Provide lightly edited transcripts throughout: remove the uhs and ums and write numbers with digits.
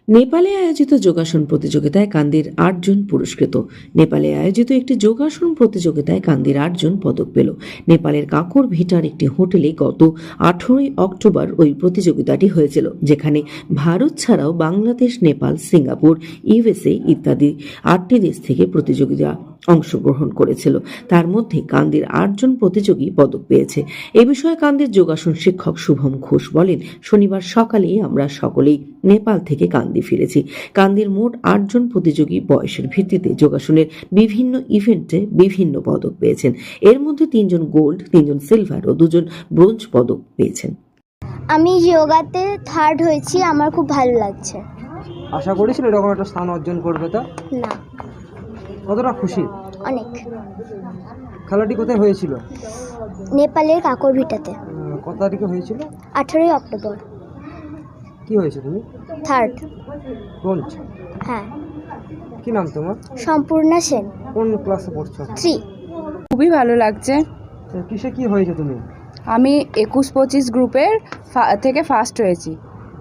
নেপালে আয়োজিত যোগাসন প্রতিযোগিতায় কান্দির ৮ জন পুরস্কৃত। নেপালে আয়োজিত একটি যোগাসন প্রতিযোগিতায় কান্দির ৮ জন পদক পেল। নেপালের কাকর ভিটার একটি হোটেলে গত 18 অক্টোবর ওই প্রতিযোগিতাটি হয়েছিল, যেখানে ভারত ছাড়াও বাংলাদেশ, নেপাল, সিঙ্গাপুর, ইউএসএ ইত্যাদি 8টি দেশ থেকে প্রতিযোগিতা অংশগ্রহণ করেছিল। তার মধ্যে কান্দির ৮ জন প্রতিযোগী পদক পেয়েছে। এ বিষয়ে কান্দির যোগাসন শিক্ষক শুভম ঘোষ বলেন, শনিবার সকালেই আমরা সকলেই নেপাল থেকে কান্দি ফিরেছি। কান্দির মোট ৮ জন প্রতিযোগী বয়সের ভিত্তিতে যোগাসনের বিভিন্ন ইভেন্টে বিভিন্ন পদক পেয়েছেন। এর মধ্যে 3 জন গোল্ড, 3 জন সিলভার ও 2 জন ব্রোঞ্জ পদক পেয়েছেন। আমি যোগাতে থার্ড হয়েছি, আমার খুব ভালো লাগছে। আশা করেছিল এরকম একটা স্থান অর্জন করবে? তো না, কতটা খুশি? অনেক। খেলাটি কোথায় হয়েছিল? নেপালের কাকর ভিটাতে। কত তারিখে হয়েছিল? 18 অক্টোবর। কি হয়েছে তুমি? থার্ড। ব্রোঞ্জ। হ্যাঁ। কি নাম তোমার? সম্পূর্ণা সেন। কোন ক্লাসে পড়ছো? 3। খুবই ভালো লাগছে। কিসে কি হয়েছে তুমি? আমি 21-25 গ্রুপের থেকে ফার্স্ট হয়েছি।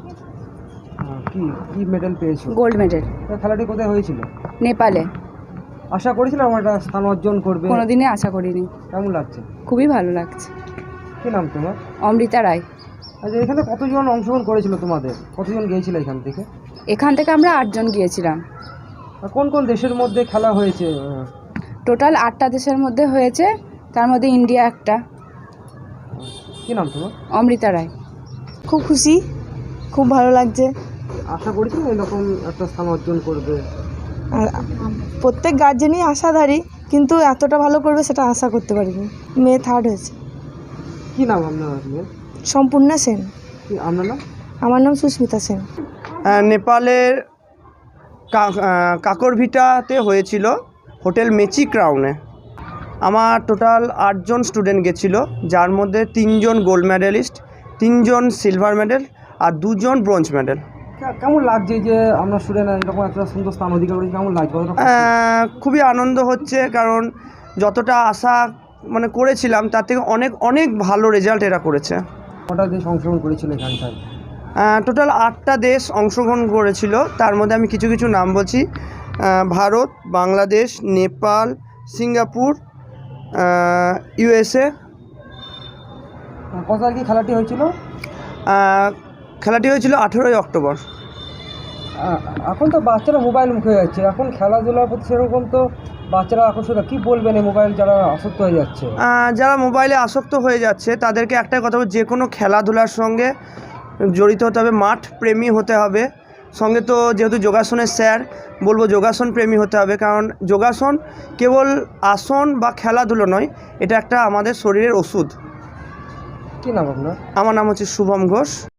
কি কি মেডেল পেয়েছো? Gold medal. খেলাটি কোথায় হয়েছিল? নেপালে। আশা করেছিলাম আমার একটা স্থান অর্জন করবে? কোনোদিনই আশা করিনি। কেমন লাগছে? খুবই ভালো লাগছে। কি নাম তোমার? অমৃতা রায়। আচ্ছা, এখানে কতজন অংশগ্রহণ করেছিল তোমাদের? কতজন গিয়েছিল এখান থেকে? এখান থেকে আমরা 8 জন গিয়েছিলাম। আর কোন কোন দেশের মধ্যে খেলা হয়েছে? টোটাল 8টা দেশের মধ্যে হয়েছে, তার মধ্যে ইন্ডিয়া একটা। কি নাম তোমার? অমৃতা রায়। খুব খুশি, খুব ভালো লাগছে। আশা করেছিলাম এরকম একটা স্থান অর্জন করবে? আর প্রত্যেক গার্জেনই আশাধারী, কিন্তু এতটা ভালো করবে সেটা আশা করতে পারিনি। মেয়ে থার্ড হয়েছে। কি নাম আপনার মেয়ের? সম্পূর্ণা সেন। কি আপনার নাম? আমার নাম সুস্মিতা সেন। নেপালের কাকরভিটাতে হয়েছিল, হোটেল মেচি ক্রাউনে। আমার টোটাল 8 জন স্টুডেন্ট গেছিলো, যার মধ্যে 3 জন গোল্ড মেডেলিস্ট, 3 জন সিলভার মেডেল আর 2 জন ব্রোঞ্জ মেডেল। কেমন লাগছে যে আমরা স্টুডেন্ট এরকম একটা সুন্দর স্থান অধিকার করেছি? কেমন লাগছে? খুবই আনন্দ হচ্ছে, কারণ যতটা আশা করেছিলাম তার থেকে অনেক অনেক ভালো রেজাল্ট এরা করেছে। কটা দেশ অংশগ্রহণ করেছিল এখানটায়? টোটাল 8টা দেশ অংশগ্রহণ করেছিল, তার মধ্যে আমি কিছু কিছু নাম বলছি। Bharat, Bangladesh, Nepal, Singapore, USA. কত তারিখে খেলাটি হয়েছিল? খেলাটি হয়েছিল 18 অক্টোবর। এখন তো বাচ্চারা মোবাইল মুখে হয়ে যাচ্ছে, এখন খেলাধুলার প্রতি সেরকম তো বাচ্চারা আকর্ষিত। কী বলবেন এই মোবাইল যারা আসক্ত হয়ে যাচ্ছে? যারা মোবাইলে আসক্ত হয়ে যাচ্ছে তাদেরকে একটাই কথা বলবো, যে কোনো খেলাধুলার সঙ্গে জড়িত হতে হবে, মাঠ প্রেমী হতে হবে। সঙ্গে তো যেহেতু যোগাসনের স্যার, বলবো যোগাসন প্রেমী হতে হবে, কারণ যোগাসন কেবল আসন বা খেলাধুলো নয়, এটা একটা আমাদের শরীরের ওষুধ। কী নাম আপনার? আমার নাম হচ্ছে শুভম ঘোষ।